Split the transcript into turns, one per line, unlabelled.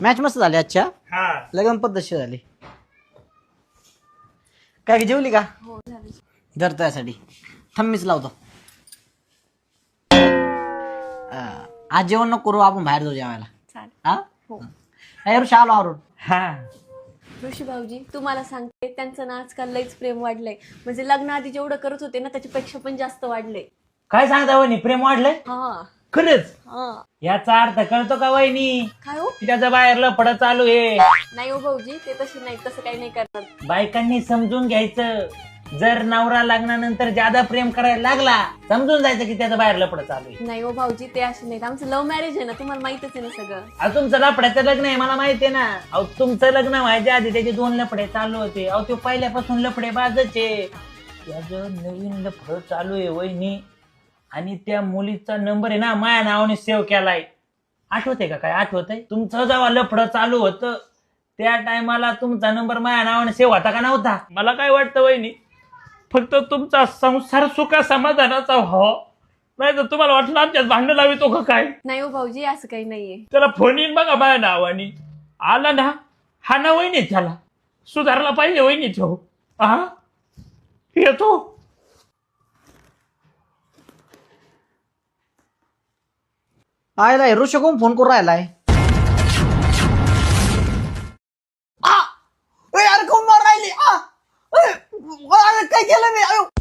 Match मस्त झाली आजच्या.
हा
लग्न पद्धतशीर झाली. काय की जेवली का?
हो झालं.
जर त्यासाठी थम्मीच लावतो. आज जेवण नको करू, आपण बाहेर जाऊ जेवायला.
चालेल.
हा
हो.
ऋषी आलो आवरून.
हा
ऋषी भाऊजी तुम्हाला सांगते त्यांचं ना आजकाल लईच प्रेम वाढलंय. म्हणजे लग्न आधी जेवढं करत होते ना त्याच्यापेक्षा पण जास्त वाढलंय.
काय सांगता वहिनी, प्रेम वाढलंय
हा
खरंच?
हा.
याचा अर्थ कळतो का वहिनी?
काय हो?
त्याच्या बाहेर लफड चालू आहे.
नाही हो भाऊजी, ते तसे नाही, तसं काही नाही करणार.
बायकांनी समजून घ्यायचं. जर नवरा लग्नानंतर ज्यादा प्रेम करायला लागला, समजून जायचं की त्याचं बाहेर लफड चालू आहे.
नाही हो भाऊजी, ते असे नाहीत. आमचं लव्ह मॅरेज आहे ना, तुम्हाला माहितच आहे ना सगळं.
अहो तुमचं लफड्याचं लग्न आहे मला माहितीये ना. अहो तुमचं लग्न व्हायच्या आधी त्याचे 2 लफडे चालू होते. अहो तो पहिल्यापासून लफडे बाजचे. त्याचं नवीन लफड चालू आहे वहिनी. आणि त्या मुलीचा नंबर आहे ना माझ्या नावाने सेव्ह केलाय. आठवते का? काय आठवतंय? तुमचं जेव्हा लफडं चालू होतं त्या टायमाला तुमचा नंबर माझ्या नावाने सेव्ह होता का नव्हता? मला काय वाटतं वहिनी, फक्त तुमचा संसार सुखा समाधानाचा व्हावा. नाही तर तुम्हाला वाटलं आमच्यात भांडण लावितो का काय?
नाही हो भाऊजी, असं काही नाहीये.
त्याला फोन येईन बघा माझ्या नावाने. आला ना हा ना वहिनी, त्याला सुधारला पाहिजे वहिनी तो. हा येतो.
आयलाय ऋषी कोण फोन करून राहिलाय? अरे कोण मार राहिली? काय केलं मी?